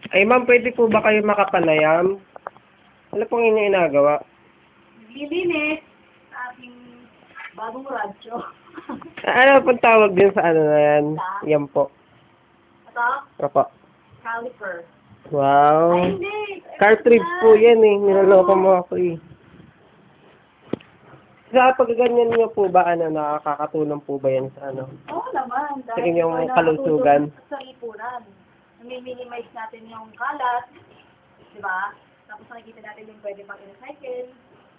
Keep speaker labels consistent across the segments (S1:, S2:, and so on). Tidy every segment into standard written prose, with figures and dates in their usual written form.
S1: Ay, ma'am, pwede po ba kayo makapanayam? Ano pong inyo inagawa?
S2: Naglilinis sa ating bagong radyo.
S1: Ano pong tawag din sa ano na yan? Yan po.
S2: Ito?
S1: Opo.
S2: Caliper.
S1: Wow.
S2: Ay, hindi.
S1: Cartridge po yan eh. Niloloko mo ako eh. Sa pagganyan niyo po ba, nakakatulong po ba yan sa ano?
S2: Oo naman.
S1: Sa inyong kalusugan?
S2: Sa lipunan. Nami-minimize natin yung kalat. Diba? Tapos nakikita natin yung pwede pang recycle.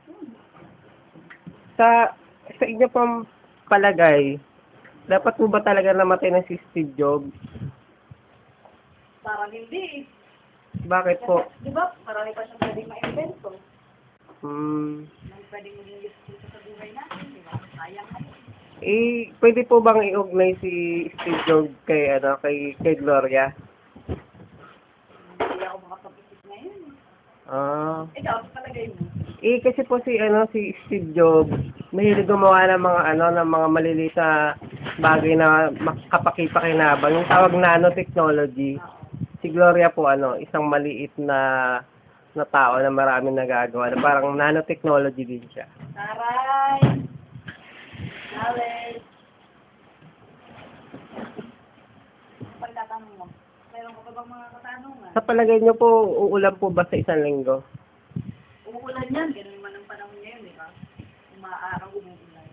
S1: Sa inyo pong palagay, dapat po ba talaga namatay na si Steve Jobs?
S2: Parang hindi.
S1: Bakit po?
S2: Diba? Marami pa siyang pwedeng ma-invento. Nang pwedeng maging useful sa buhay natin. Diba? Sayang natin.
S1: Pwede po bang i-ugnay si Steve Jobs kay Gloria?
S2: Hindi ako makapag-isip ngayon. Ikaw, sa palagay mo?
S1: Kasi po si Steve Jobs, mahilig gumawa ng mga maliliit na bagay na kapakipakinabang. Yung tawag nanotechnology. Si Gloria po isang maliit na tao na maraming nagagawa. Na parang nanotechnology din siya.
S2: Taray! Alex! Pagtatanong mo, mayroon ka pa bang mga katanungan?
S1: Sa palagay niyo po, uulan po ba sa isang linggo?
S2: Umuulan yan, ganun naman ang panahon ngayon, di ba? Umaaraw, umuulan.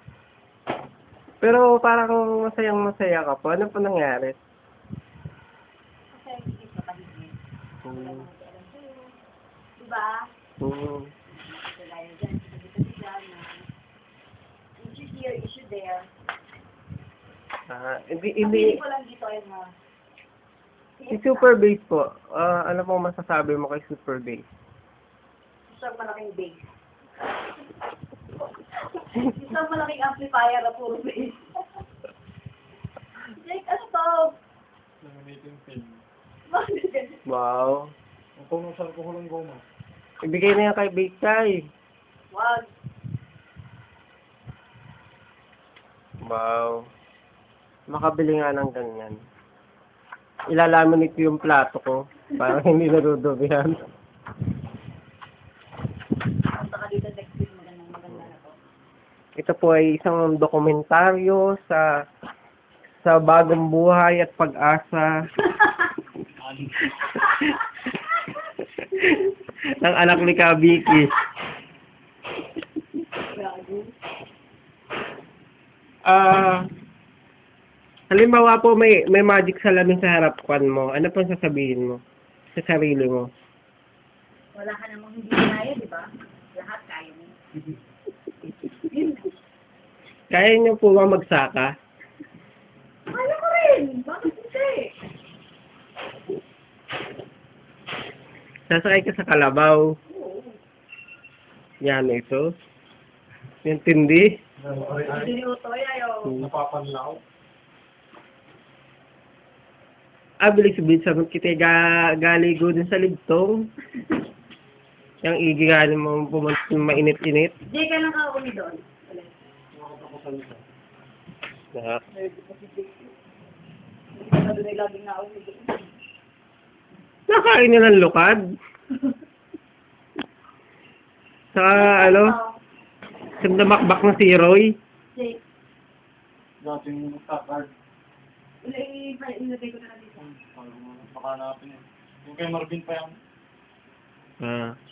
S1: Pero parang masayang-masaya ka po. Ano po nangyari?
S2: Kasi ang isip na tahimik. Wala naman alam sa'yo. Diba? Kagaya dyan, sabi-sabi dyan na issue here, issue there. Ang
S1: Hindi.
S2: ko lang dito ay na
S1: Si Super Bass po, ano pong masasabi mo kay Super Bass?
S2: isang malaking base. Isang malaking amplifier na puro bass. Like, ano to?
S3: Laminating film.
S2: Bakit ganun?
S1: Wow.
S3: Ang punusan ko ng goma.
S1: Ibigay na yan kay Bass Kai.
S2: Wag.
S1: Wow. Makabili nga ng ganyan. Ilalaminate ko yung plato ko para hindi nadudubihan.
S2: Punta ka dito next week, maganda na to.
S1: Ito po ay isang dokumentaryo sa bagong buhay at pag-asa ng anak ni Kabiki. Halimbawa po may magic salamin sa harapan mo. Ano pong sasabihin mo sa sarili mo?
S2: Wala ka namang hindi kaya, di ba? Lahat kaya mo. Yun na.
S1: Kaya niyo po ba magsaka?
S2: Kaya ko rin! Bakit hindi?
S1: Sasakay ka sa kalabaw.
S2: Oo.
S1: Yan ito. Yung tindi.
S2: Hindi ni Utoy, ayaw.
S3: Napapanlaw.
S1: Bilis-bilis sabi kita galigo din sa ligtong. Yung igiganin mo pumunta mainit-init.
S2: Hindi ka lang kauli doon.
S1: Na.
S2: Hindi ka doon ay laging nauli doon.
S1: Nakain niya ng lukad. Sa sindamakbak na si Roy.
S2: Jake,
S3: Dating card.
S2: ilagay ko na lang dito.
S3: Baka natin yun. Yung kay Marvin pa yan.